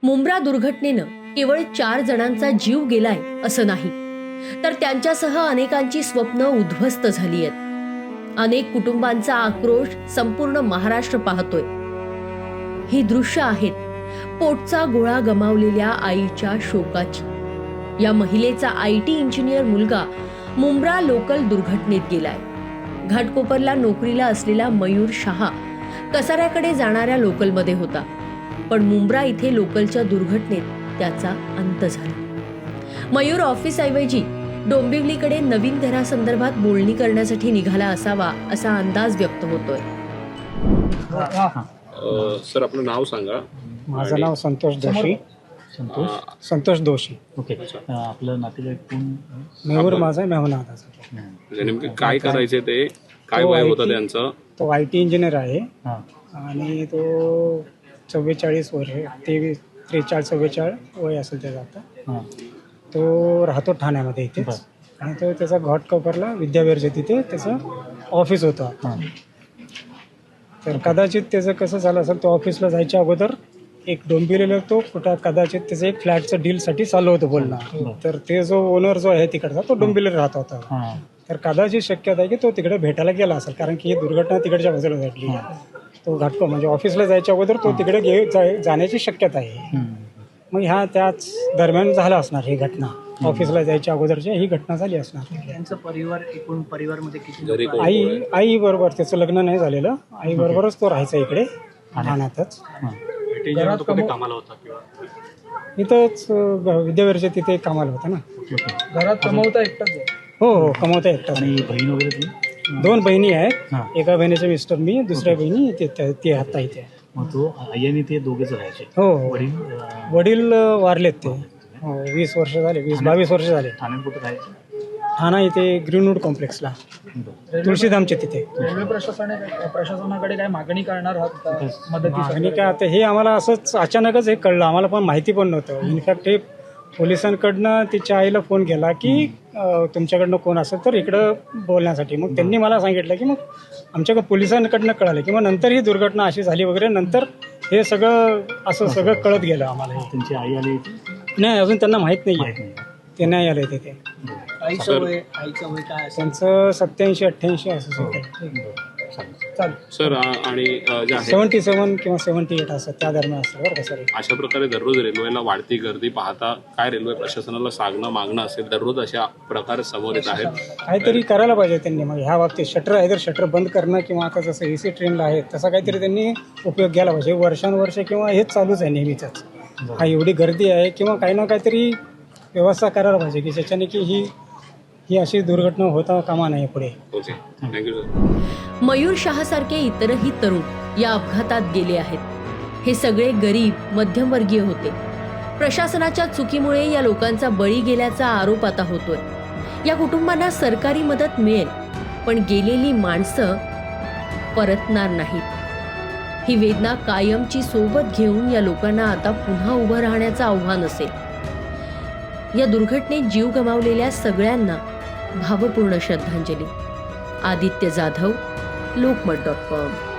मुंब्रा दुर्घटनेनं केवळ 4 जणांचा जीव गेलाय असं नाही, तर त्यांच्यासह अनेकांची स्वप्न उद्ध्वस्त झाली आहेत। अनेक कुटुंबांचा आक्रोश संपूर्ण महाराष्ट्र पाहतोय। ही दृश्य आहेत पोटचा गोळा गमावलेल्या आईच्या शोकाची। या महिलेचा IT इंजिनियर मुलगा मुंब्रा लोकल दुर्घटनेत गेलाय। घाटकोपरला नोकरीला असलेला मयूर शहा कसाऱ्याकडे जाणाऱ्या लोकलमध्ये होता, पण मुंब्रा इथे लोकलच्या दुर्घटनेत त्याचा अंत झाला। मयूर ऑफिसऐवजी डोंबिवलीकडे नवीन घरासंदर्भात बोलणी करण्यासाठी निघाला असावा असा अंदाज व्यक्त होतोय। सर आपलं नाव सांगा। माझं नाव संतोष दोशी। संतोष दोशी। ओके, आपलं नातेवाईक कोण? मेहूर माझा आहे, मेहून दादाचा। नेमके काय करायचे ते, काय वय होतं त्यांचं? तो IT इंजिनियर आहे आणि तो 44 वर्ष 43 44 वय असेल त्याचं आता। तो राहतो ठाण्यामध्ये इथेच आणि तो त्याचा घाटकोपरला विद्याविहारच्या तिथे त्याचं ऑफिस होतं। तर कदाचित त्याचं कसं झालं असेल, तो ऑफिसला जायच्या अगोदर एक डोंबिवलीला तो कुठं कदाचित त्याचं एक फ्लॅटचं डीलसाठी चालू होतं बोलणं। तर ते जो ओनर जो आहे तिकडचा तो डोंबिवलीला राहत होता। तर कदाचित शक्यता आहे की तो तिकडे भेटायला गेला असेल, कारण की ही दुर्घटना तिकडच्या बाजूला घडली। तो घाटको म्हणजे ऑफिसला जायच्या अगोदर तो तिकडे जाण्याची शक्यता आहे। मग ह्या त्याच दरम्यान झाला असणार ही घटना। ऑफिसला जायच्या अगोदरची ही घटना झाली असणार। त्यांचा परिवार, एकूण परिवारमध्ये किती? आई बरोबर, त्याचं लग्न नाही झालेलं, आई बरोबरच तो राहायचा इकडे ठाण्यातच। कामाला होता किंवा इथंच विद्याविहारच्या तिथे कामाला होता ना। घरात कमवता एकटाच? हो, कमवता एकटाच। आणि बहीण वगैरे? 2 बहिणी आहेत। एका बहिणीचे मिस्टर मी, दुसऱ्या बहिणी ते आता इथे। मग तो आई आणि ते दोघेच राहायचे? हो, वडील वारलेत ते। 20 वर्ष झाले, 22 वर्ष झाले। ठाण्यात कुठे राहायचे? ठाणा इथे ग्रीनवूड कॉम्प्लेक्सला, तुळशीधामच्या तिथे। रेल्वे प्रशासनाकडे काय मागणी करणार आहात मदतीसाठी? मागणी काय, आता हे आम्हाला असंच अचानकच हे कळलं, आम्हाला पण माहिती पण नव्हतं। इनफॅक्ट हे पोलिसांकडनं तिच्या आईला फोन केला की तुमच्याकडनं कोण असेल तर इकडं बोलण्यासाठी। मग त्यांनी मला सांगितलं की मग आमच्याकडे पोलिसांकडनं कळालं की मग नंतर ही दुर्घटना अशी झाली वगैरे, नंतर हे सगळं असं सगळं कळत गेलं आम्हाला। त्यांची आई आली? नाही, अजून त्यांना माहीत नाही, ते नाही आले तिथे। आईचं वय काय? त्यांचं 87-88 असं सर आणि जे आहे 77 किंवा 78 असं त्या दरम्यान असतं बरं का सर। अशा प्रकारे दररोज रेल्वेला वाढती गर्दी पाहता काय रेल्वे प्रशासनाला सांगणं मागणं असेल, दररोज अशा प्रकार समोर येत आहेत, काहीतरी करायला पाहिजे त्यांनी। मग ह्या बाबतीत शटर आहे तर शटर बंद करणं, किंवा आता जसं AC ट्रेनला आहे तसा काहीतरी त्यांनी उपयोग घ्यायला पाहिजे। वर्षानुवर्ष किंवा हेच चालूच आहे नेहमीच, हा एवढी गर्दी आहे, किंवा काही ना काहीतरी व्यवस्था करायला पाहिजे की ज्याच्याने की ही अशी दुर्घटना होता कामा नये पुढे। Okay, thank you sir. मयूर शहासारखे इतरही तरुण या अपघातात गेले आहेत। हे सगळे गरीब मध्यमवर्गीय होते। प्रशासनाच्या चुकीमुळे या लोकांचा बळी गेल्याचा आरोप आता होतोय। या कुटुंबांना सरकारी मदत मिळेल, पण गेलेली माणसं परतणार नाहीत। ही वेदना कायमची सोबत घेऊन या लोकांना आता पुन्हा उभं राहण्याचं आव्हान असेल। या दुर्घटनेत जीव गमावलेल्या सगळ्यांना भावपूर्ण श्रद्धांजली। आदित्य जाधव, लोकमत.com।